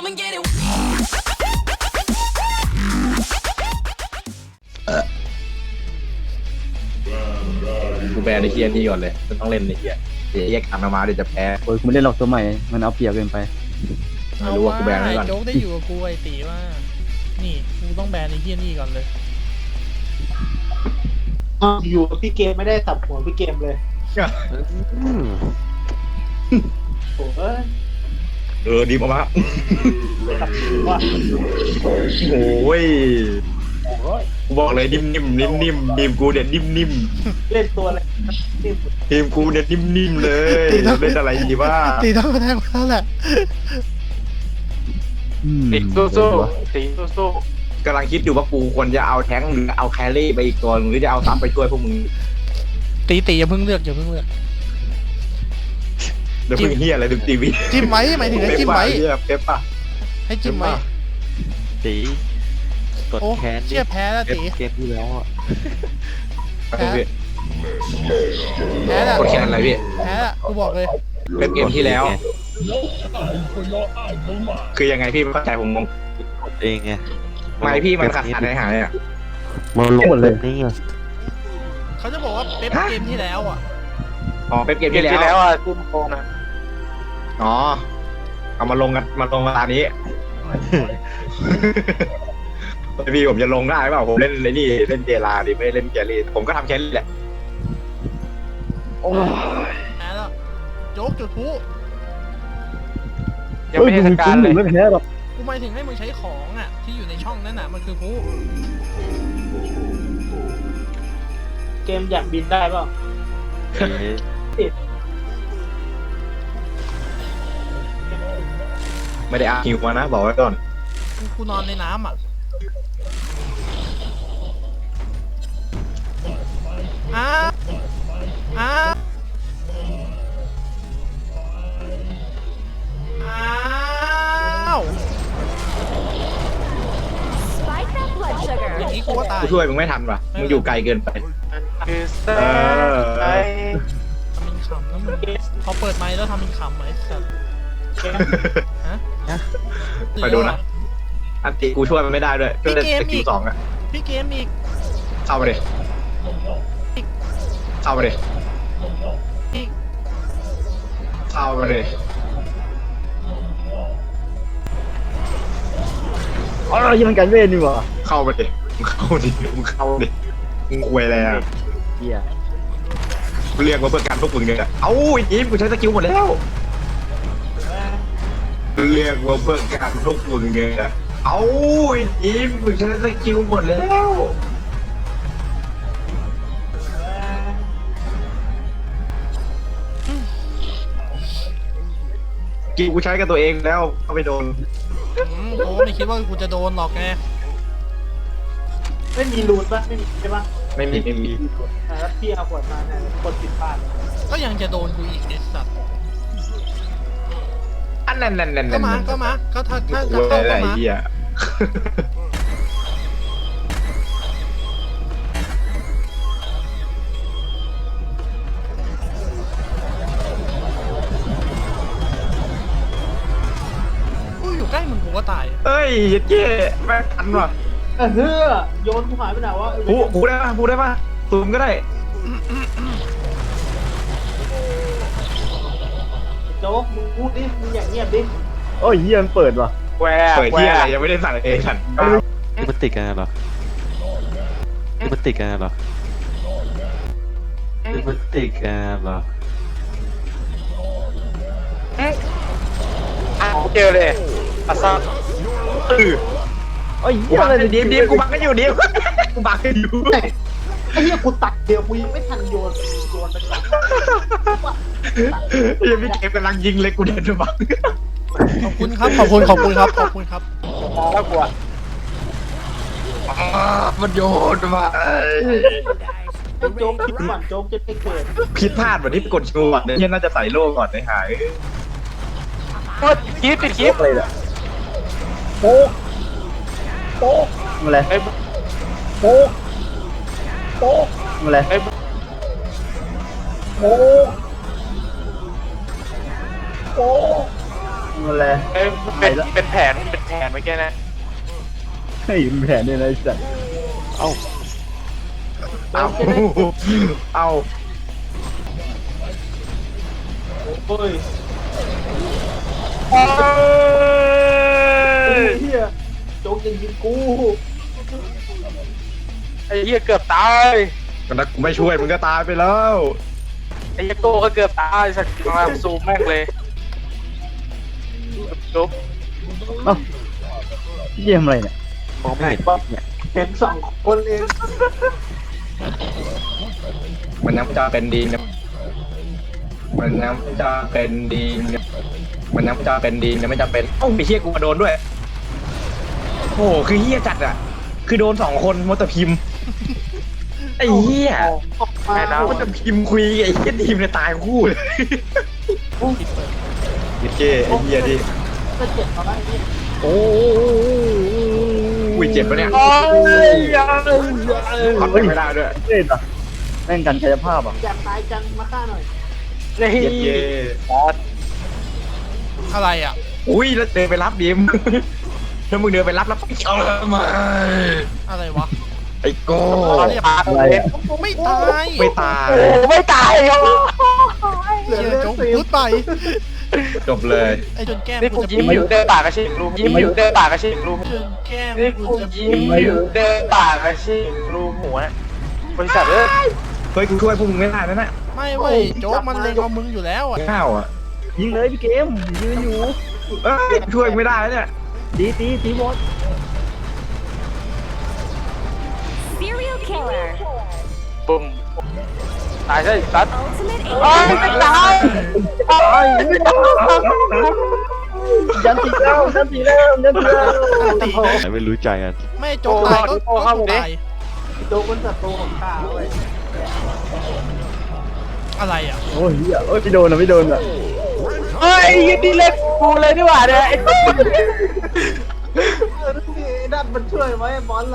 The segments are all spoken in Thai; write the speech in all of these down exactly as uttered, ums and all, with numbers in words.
come and get it. กูแบนไอ้เฮียนี่ก่อนเลยจะต้องเล่นไอ้เฮียเดี๋ยวแยกทางมาเดี๋ยวจะแพ้โอ้ยกูไม่เล่นหรอกตัวใหม่มันเอาเปรียบเกินไปไม่รู้ว่ากูแบนไว้ก่อนโจ๊กได้อยู่กับกูไอ้ตีว่านี่กูต้องแบนไอ้เฮี้ยนี่ก่อนเลยอยู่กับพี่เกมไม่ได้สับหัวพี่เกมเลยโอ้ยเออดีมากสับหัวโอ้ยโอ้ยกูบอกเลยนิ่มนิ่มนิ่มนิ่มทีมกูเด็ดนิ่มนิ่มเล่นตัวอะไรนิ่มทีมกูเด็ดนิ่มนิ่มเลยเล่นอะไรดีว่าตีต้องมาแทงแล้วแหละตีสู้สู้ตีสู้สู้กำลังคิดอยู่ว่ากูควรจะเอาแท้งหรือเอาแครี่ไปอีกตัวหรือจะเอาซับไปช่วยพวกมึงตีตีอย่าเพิ่งเลือกอย่าเพิ่งเลือกเดี๋ยวมึงเฮียอะไรดูทีวีจิ้มไว้หมายถึงให้จิ้มไว้เฮียเป๊ปป่ะให้จิ้มไว้ตีกดโอ้แค้นเชี่ยแพ้แล้วตีเกมที่แล้วอ่ะแพ้แพ้แล้วกดแคนอะไรพี่แพ้แล้วกูบอกเลยเป็นเกมที่แล้ว คือยังไงพี่ไม่เข้าใจผมงงกดเองไงไม่พี่มันขาดขาดหายหายอ่ะมันลงหมดเลยนี่ไงเขาจะบอกว่าเป๊ปเกมที่แล้วอ่ะอ๋อเป็นเกมที่แล้วอ่ะคุณโกนะอ๋อเอามาลงกันมาลงกันตอนนี้ พี่ผมจะลงได้เปล่าผมเล่นเลยนี่เล่นเจลาดิไม่เล่นแกรี่ผมก็ทำแครี่แหละแพ้แล้วโจ๊กจุดพลุยังไม่ได้การเลยไม่แพ้หรอกกูหมายถึงให้มึงใช้ของอ่ะที่อยู่ในช่องนั้นน่ะมันคือพลุเกมอยากบินได้เปล่าไม่ได้อาฮิวมานะบอกไว้ก่อนกูกูนอนในน้ำอ่ะอ้าอ้าอ้าว Spike that blood อ sugar. ย่างนี้กูก็ตายกูช่วยมึงไม่ทันว่ะมึงอยู่ไกลเกินไปเออทำเป็นขำนะมึงพอเปิดไมค์แล้วทำเป็นขำไหมสัตว์ฮะไปดูนะอันติกูช่วยมันไม่ได้ด้วยช่วยได้สกิลสองอ่ะพี่เกมอีกเข้ามาดิเข้ามาดิอีกเข้ามาดิอ๋อยังมันกันเวทนี่หว่าเข้ามาดิมึงเข้าดิมึงเข้าดิมึงอวยอะไรอ่ะเฮียกูเรียกว่าเพื่อการพวกมึงเนี่ยเอ้าไอ้ทีมกูใช้สกิลหมดแล้วเรียกว่าเพื่อการพวกมึงเนี่ยเอ้าไอ้ทีมกูใช้สกิลหมดแล้วกิลกูใช้กับตัวเองแล้วก็ไม่โดนอืมกูก็ไม่คิดว่ากูจะโดนหรอกไงไม่มีรูนป่ะไม่มีใช่ป่ะไม่มีไม่มีแล้วพี่เอาขวดมาเนี่ยกดผิดพลาดก็ยังจะโดนกูอีกไอ้สัตว์อันนั้นนั่นนั่นก็มาก็มาก็ถ้าถ้ากูจะอะไรเข้าก็มาเหี้ยกูอยู่ใกล้มึงกูก็ตายเอ้ยเจ๊แม่งทันว่ะเออเฮ้อโยนกูหายไปไหนวะพูพูได้ป่ะพูได้ป่ะซูมก็ได้โจ๊กมึงพูดดิมึงอย่างเงียบดิโอ้ยเฮียมันเปิดว่ะเปิดที่อะไรยังไม่ได้สั่งเองฉันนี่มันติดกันเหรอนี่มันติดกันเหรอนี่มันติดกันเหรอเจอเลยอาซาเออโอ้ยกูเฮียบัอะกไรกันเนี่ยดิมดิมกูบักกันอยู่ดิมกูบักกันอยู่ไอ้เหี้ยกูตัดเดียวกูยังไม่ทันโยนโยนไปก่อนยังพี่เกมกำลังยิงเลยกูเดินไปบักขอบคุณครับขอบคุณขอบคุณครับขอบคุณครับแล้วกูอ่ะมันโยนมาไอ้โจ๊กคิดก่อนโจ๊กจะไม่เกิดผิดพลาดวันที่กดชูก่อนเนี่ยน่าจะใส่โล่ก่อนในหายคิดปิดคลิปเลยแหละโป๊กโป๊กอะไรโป๊กโป๊กอะไรโป๊กโป๊กอะไรเอ้ยเป็นเป็นแผนเป็นแผนเมื่อกี้นะเฮ้ยมีแผนด้วยนะไอ้สัตว์เอาเอาโอ้ยเอ้ยเฮียโจ๊กยังยิงกูไอ้เหี้ยเกือบตายก็นักกูไม่ช่วยมึงก็ตายไปแล้วไอ้เหี้ยโก้ก็เกือบตายสักทีมาซูมแม่งเลยจุ๊บเอ้าพี่เกมอะไรเนี่ยมองไม่เห็นเนี่ยเห็นสองคนเองมันยังจะเป็นดีนะมันยังจะเป็นดีนะมันยังจะเป็นดีนะไม่จะเป็นโอ้าไอ้เฮียกูมาโดนด้วยโอ้โหคือเฮียจัดอ่ะคือโดนสองคนมดแต่พิมพ์ไอ้เฮียมาแล้วมันจะพิมพ์คุยไอ้เฮียทีมเนี่ยตายคู่เลยเย้ไอ้เฮียดิจะเจ็บมาได้เนี่ยโอ้ยเจ็บปะเนี่ยโอ้ยยังพับไม่ได้ด้วยเฮ้ยอ่ะแม่งกันกายภาพอ่ะอยากตายจังมาฆ่าหน่อยนี่เย้เย้อะไรอ่ะอุ้ยแล้วเดินไปรับดิมถ้ามึงเดินไปรับแล้วไปเออมาอะไรวะไอ้โก้อะไรอ่ะไม่ตายไม่ตายโอ้ไม่ตายเหรอเหลือเชี่ยเลือดโจ๊กสิพูดไปจบเลยไอ้จนแก้มนี่กูกูจะยิ้มอยู่เดินป่ากระชิบรูยิ้มอยู่เดินป่ากระชิบรูจนแก้มนี่กูกูจะยิ้มอยู่เดินป่ากระชิบรูหัวบริษัทเอ้ยเฮ้ยกูช่วยพวกมึงไม่ได้นะน่ะไม่เว้ยโจ๊กมันเล็งเอามึงอยู่แล้วอ่ะข้าวอ่ะยิงเลยพี่เกมยืนอยู่เอ้ยช่วยไม่ได้เนี่ยตีตีตีบอส Serial killer. ปุ่มตายใช่สัตว์ Ultimate โอ้ย alien. ไม่ตายโอ้ยไม่ตายยันตีแล้วยันตีแล้วยันตีแล้วตีไหนไม่รู้ใจกันไม่โจ๊กตายก็ก็กูตายโจ๊กเป็นศัตรูของข้าเว้ยอะไรอ่ะโอ้ยเหี้ยโอ้ยไม่โดนอ่ะไม่โดนอ่ะเฮ้ยยินดีเล่นกูเลยดีกว่าเนี่ยไอ้ตุ๊ดเออนี่ไอ้นั่นมันช่วยไว้บอลละ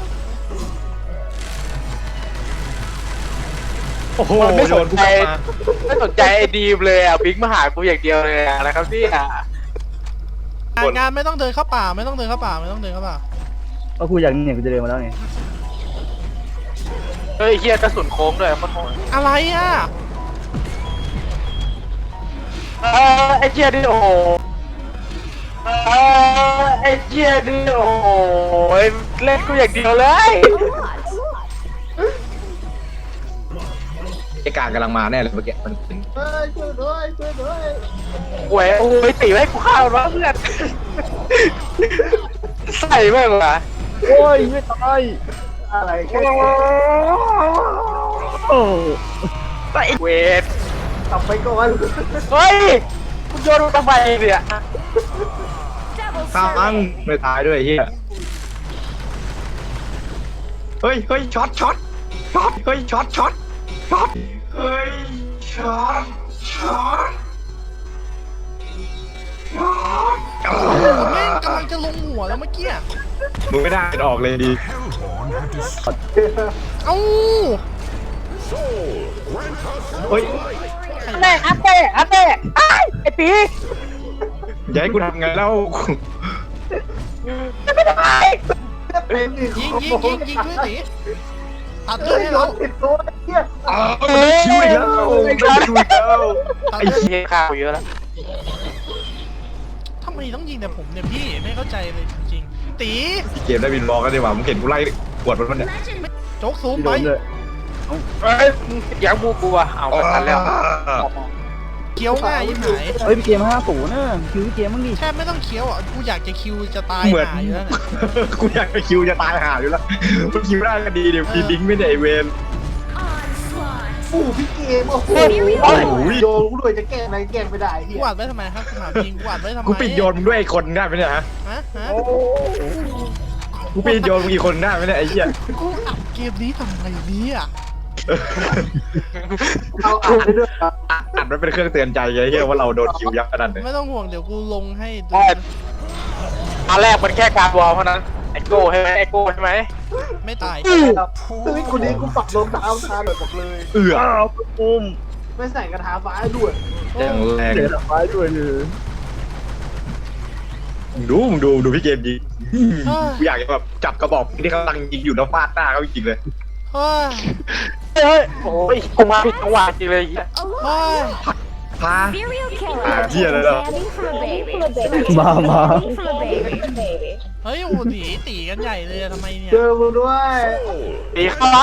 โอ้โหไม่โดสนนกูใจกลับมาไม่สนใจไอ้ดีมเลยอ่ะบิ๊กมาหากูอย่างเดียวเลยอะนะครับพี่อ่ะงานงานไม่ต้องเดินเข้าป่าไม่ต้องเดินเข้าป่าไม่ต้องเดินเข้าป่าก็กูอยากเนี่ยกูจะเดินมาแล้วไงเฮ้ยเฮียกระสุนโค้งด้วยโคตรโหดอะไรอ่ะเออไอ้เฮียดิโอ้โหเออไอ้เฮียดิโอ้โหเล่นกูอย่างเดียวเลยไอ้การกำลังมาแน่เลยเมื่อกี้มันเฮ้ยช่วยด้วยช่วยด้วยโว้ยโอ้ยตีให้กูฆ่ามันวะเพื่อนใส่แม่งวะโอ้ยไม่ตายอะไรแค่โอ้เวทกลับไปก่อนเฮ้ยกูโยนมันทำไมเนี่ย Double ค้าง killing. ไม่ตายด้วยไอ้เฮียเฮ้ยเฮ้ยช็อตช็อตช็อตเฮ้ยช็อตช็อตช็อตเฮ้ยช็อตช็อตช็อตแม่งกำลังจะลงหัวแล้วเมื่อกี้มึงไม่ได้ออกเลยดีเอ้าเฮ้ยแม่อันเต้อันเต้ไอ้ไอ้ปีอย่าให้กูทำไงแล้วไม่ได้เป็นอีกยิงยิงยิงยิงด้วยสิตัดเลือดให้เราติดตัวเฮียอ้าวมันได้คิวอีกแล้วมันได้คิวอีกแล้วตัดไอ้เลือดเหี้ยข้าวเยอะแล้วทำไมต้องยิงแต่ผมเนี่ยพี่ไม่เข้าใจเลยจริงๆตีเกมได้บินบอกกันดีกว่ามึงเห็นกูไล่กวดมันมันเนี่ยโจ๊กซูมไม่ไปโดนเลยเอ้ยยังบูกูอ่ะเอาไปทันแล้วเคี้ยวง่ายยิ่งหายเฮ้ยพี่เกมห้าศูนย์นะคิวพี่เกมมั้งดิแทบไม่ต้องเคี้ยวอ่ะกูอยากจะคิวจะตายเหมือนหายอยู่แล้วเนี่ยกูอยากจะคิวจะตายหาอยู่แล้วมันคิวได้ก็ดีเดี๋ยวพีดิ้งไม่ได้ไอเวน Onslaught. ปู่พี่เกมโอ้โหโอ้โหโยนกูด้วยจะแก้อะไรแก้ไม่ได้เฮีกูยอัดไว้ทำไมครับกูถามจริงกูอัดไว้ทำไมกูปิดโยนมึงด้วยไอ้คนได้ไหมเนี่ยฮะฮะฮะกูปิดโยนมึงอีกคนได้ไหมเนี่ยไอ้เหี้ยกูอัดเกมนี้ทำไมเนี่ยเอาอ่านได้ด้วยครับอัดไว้เป็นเครื่องเตือนใจไงเหี้ยว่าเราโดนคิวยับขนาดไหนไม่ต้องห่วงเดี๋ยวกูลงให้ดูอันแรกมันแค่การวอลเท่านั้นไอโก้ใช่ไหมไอโก้ใช่ไหมไม่ตายซึ่งคนนี้กูปรับรองเท้าทาแบบบอกเลยเอื้ออ้าวปุ้มไม่ใส่กระถาฟ้าด้วยอย่างแรงเจอดอกไม้ด้วยเลยมึงดูมึงดูดูพี่เกมยิงกูอยากจะแบบจับกระบอกที่เขากำลังยิงอยู่แล้วฟาดหน้าเขาจริงเลยเฮ้ยเฮ้ยโอ้ยกูมาผิดจังหวะจริงเลยเฮ้ยพา Serial อ่า killer. เหี้ยเลยเหรอ Daddy for a baby. มามา Daddy for a baby. เฮ้ยโอ้โหหนีตีกันใหญ่เลยอะทำไมเนี่ยเจอกูด้วยตีเข้าร้าน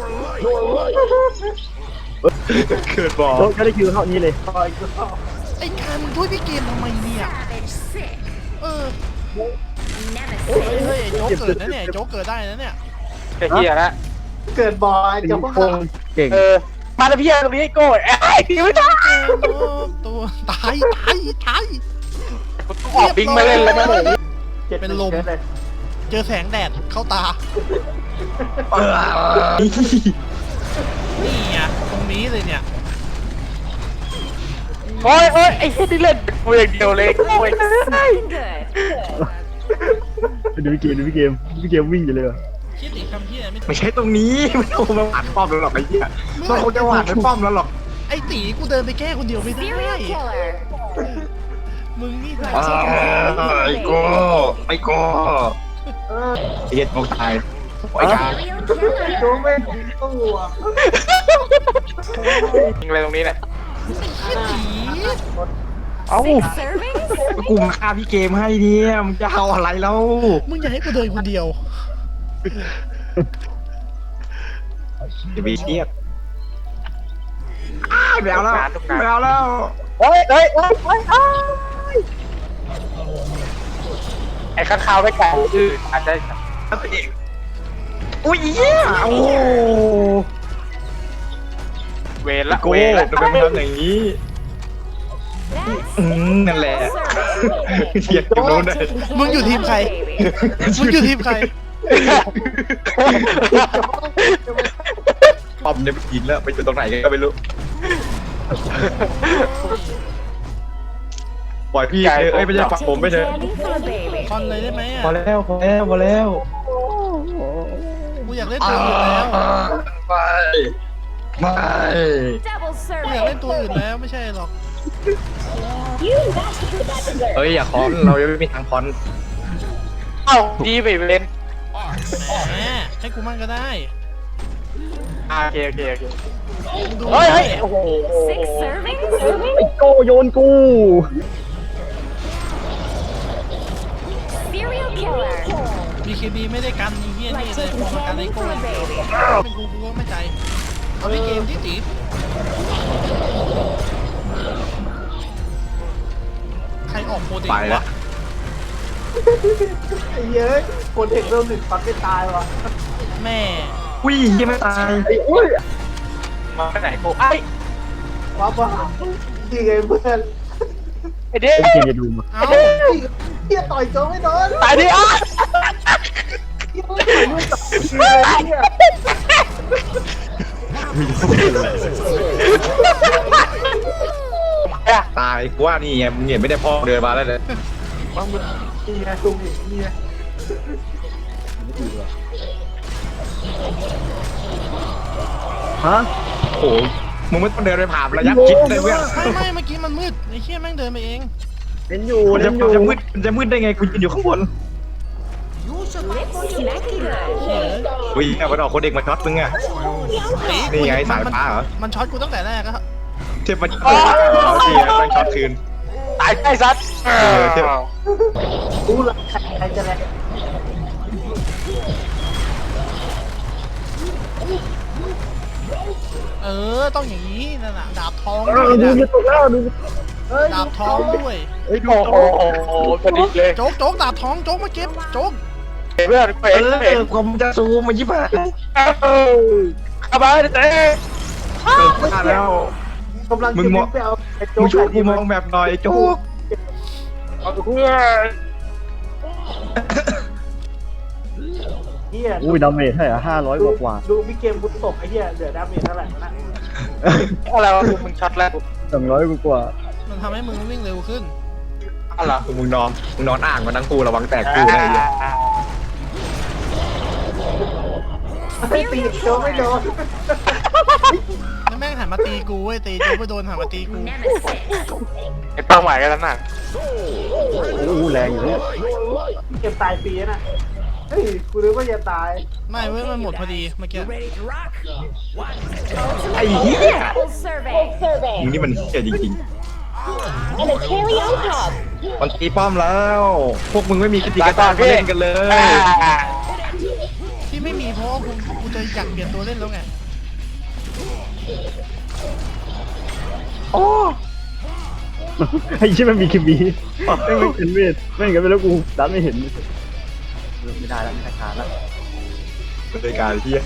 เกิดบอกโจ๊กก็ได้คิวเท่านี้เลยไอ้การมึงช่วยพี่เกมทำไมเนี่ย Savage sick. เออ Nemesis. เฮ้ยไอ้โจ๊กเกิดนะเนี่ยโจ๊กเกิดได้นะเนี่ยไอ้เหี้ยละเกิดบ่อยเจ้าพ่อโกงเก่งเออมาแล้วพี่ตรงนี้ไอ้โก้ไอ้พี่ไม่ได้โอ้ตัวตายตายตายกูต้องออกบิงมาเล่นเลยนะผมเป็นลม เจอแสงแดดเข้าตา นี่ไงตรงนี้เลยเนี่ยโอ้ยโอ้ยไอ้เหี้ยที่เล่นกูอย่างเดียวเลยโอ้ย Smelling good. ดูพี่เกมดูพี่เกมพี่เกมวิ่งอยู่เลยว่ะคิดอีกคำที่ไหนไม่ถูไม่กใช่ตรงนี้ไม่ต้องมาหวานป้อมแล้วหรอกไอ้เหี้ยมันคงจะหวานไปป้อมแล้วหรอกไอ้ตีกูเดินไปแก้คนเดียวไม่ได้ Serial killer. มึงนี่อ้าวไอ้โก้ไอ้โก้ไอ้เหี้ยโง่ตายไอ้การ Serial killer. โจ้ไม่ถึงตัวยิงอะไรตรงนี้เนี่ยไอ้ตีเอ้า Six servings? กูมาฆ่าพี่เกมให้เนี่ยมึงจะเอาอะไรแล้วมึงอย่าให้กูเดินคนเดียวจะมีเทียบอ้าวไม่เอาแล้วไม่เอาแล้วโอ้ยเอ้ยโอ้ยโอ้ยโอ้ยไอ้ข้างคาวไม่ไก่ชื่ออาจจะอุ้ยเหี้ยโอ้โหเวรละโก้เวรละทำไมมันทำอย่างนี้ That's อืมนั่นแหละ double serving. เทียบอยู่โน้นเลยมึงอยู่ทีมใคร มึงอยู่ทีมใครป้อมเนี่ยไปยิงแล้วไปอยู่ตรงไหนกันก็ไม่รู้ปล่อยพี่เถอะเอ้ยไม่ใช่ฝักผมไม่เถอะ Daddy for a baby. คอนเลยได้ไหมพออ่ะแล้วพอแล้วพอแล้วกูอยากเล่นตัวอื่นแล้วไม่ไม่ Double กูอยากเล่น serving. ตัวอื่นแล้วไม่ใช่หรอกเอ้ยอย่าคอนเรายังไม่มีทางคอนเอ้าดีไปเล่นแหมให้กูมั่งก็ได้อ่าโอเคโอเคโอเคมึงดูเฮ้ยเฮ้ยโอ้โห Six servings? ไอ้โก้โยนกู Serial killer. บีเคบีไม่ได้กันไอ้เฮีย Like นี่เลย taking พอมากันไอ้ candy โก้ for a baby. เป็นกูกูก็ไม่ใจเอาพี่เกมที่ตีใครออกโปรตีนไปแล้ววะไอ้เย้ยคนเด็กเริ่มหนึ่งฟันไม่ตายว่ะแม่อุ้ยยังไม่ตายไอ้อุ้ยมาไปไหนกูไอ้ว้าวว้าวดีไงเพื่อนไอ้เด็กไอ้เกมจะดูมาเอ้าเฮียต่อยโจ้ไม่โดนตายดิอ่ะเฮียต่อยลูกต่อยเฮียตายกูว่านี่ไงมึงเห็นไม่ได้พ่อเดินมาแล้วเลยเฮียตุ้มเฮียฮะโอ้โหมึงไม่ต้องเดินไปผ่านระยะคิดเลยเพื่อนไม่ไม่เมื่อกี้มันมืดไอ้เชี่ยแม่งเดินไปเองเล่นอยู่มันเล่จะนอมันยู่จะมืดมันจะมืดได้ไงกูยืนอยู่ข้างบน Lips smacky good. เชี่ยอุ้ยเอามันออกคนเด็กมาช็อตมึงอะตีนี่ไงสายฟ้าเหรอมันช็อตกูตั้งแต่แรกอะเทียบมันเออที่มันช็อตคืนตายใกล้ซัดเออเทียบกูละใครจะแรงเออต้องอย่างนี้นั่นน่ะดาบทองเอด้วอย ดูนะจะตกแล้วดูเฮ้ยดาบทองด้วยไอ้ยดูโอ้โหพอดีเลยโจ๊กโจ๊กดาบทองโจ๊กมาเก็บโจ๊กเพื่อนเพื่เออนเพื่อนอผมจะซูมมายิบหายเข้ามาเต้เออพลาดแล้วกำลังมึจะงมองไปเอาไอ้โจ้มึงช่วยกูมองแบบหน่อยโจ๊กเอาเพื่อนเฮียอุ้ยดาเมจเท่าไหร่ห้าร้อยกว่ากว่าดูพี่เกมบุญตกไอ้เฮียเหลือดาเมจเท่าไหร่นะอะไรวะมึงช็อตแล้วสองร้อยกว่ากว่ามันทำให้มึงวิ่งเร็วขึ้นอะไรมึงนอนมึงนอนอ่างมาทั้งคู่ระวังแตกคู่นะไอ้เหี้ยไม่ตีโดนไม่โดนแล้วแม่งหันมาตีกูเว้ยตีกูไปโดนหันมาตีกู Nemesis. ไอ้เป้าหมายกันแล้วน่ะโอ้โหแรงอยู่เนี่ยเก็บตายฟรีนะเฮ้ยกูรู้ว่าจะตายไม่เว้ยมันหมดพอดีเมื่อกี้ไอ้เหี้ย Double survey. มึงนี่มันเหี้ยจริง And a carry on top. ๆมันตีป้อมแล้ว พวกมึงไม่มีกิจกรรมเล่นกันเลยที่ไม่มีเพราะว่ากูกูจะอยากเปลี่ยนตัวเล่นแล้วไงไอ้ชี่มันมีคิมบีไม่ไม่เป็นเวทไม่งั้นไปแล้วกูดันไม่เห็นไม่ได้แล้วไม่ได้การแล้วรายการเหี้ย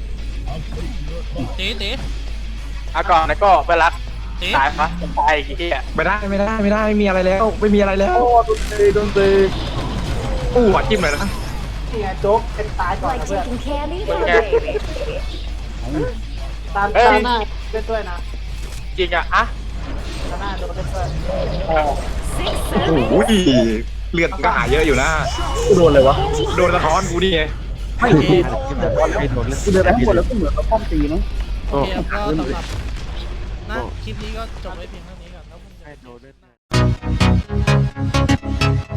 ตีตีเอาก่อนนะก็ไปรักตีตายปะตายไอ้เหี้ยไม่ได้ไม่ได้ไม่ได้ไม่มีอะไรแล้ว ไม่มีอะไรแล้วโอ้โดนตีโดนตีอู้หัวจิ้มเลยนะนี่ไงโจ๊กเป็นตายก่อน Like นะเพื่อน taking candy from a baby. ตามตาหน้าเล่นด้วยนะจริงอะอะตาหน้าโดนเล่นด้วย Six โอ้ servings. โหเลือดก็หาเยอะอยู่นะกูโดนเลยวะโดนสะท้อนกูนี่ไงไม่โดนไม่โดนเลยกูเดินไปข้างบนแล้วก็เหมือนเราป้อมตีนะโอเคครับก็สำหรับนะคลิปนี้ก็จบไว้เพียงเท่านี้ก่อนแล้วมึงจะให้โดนด้วย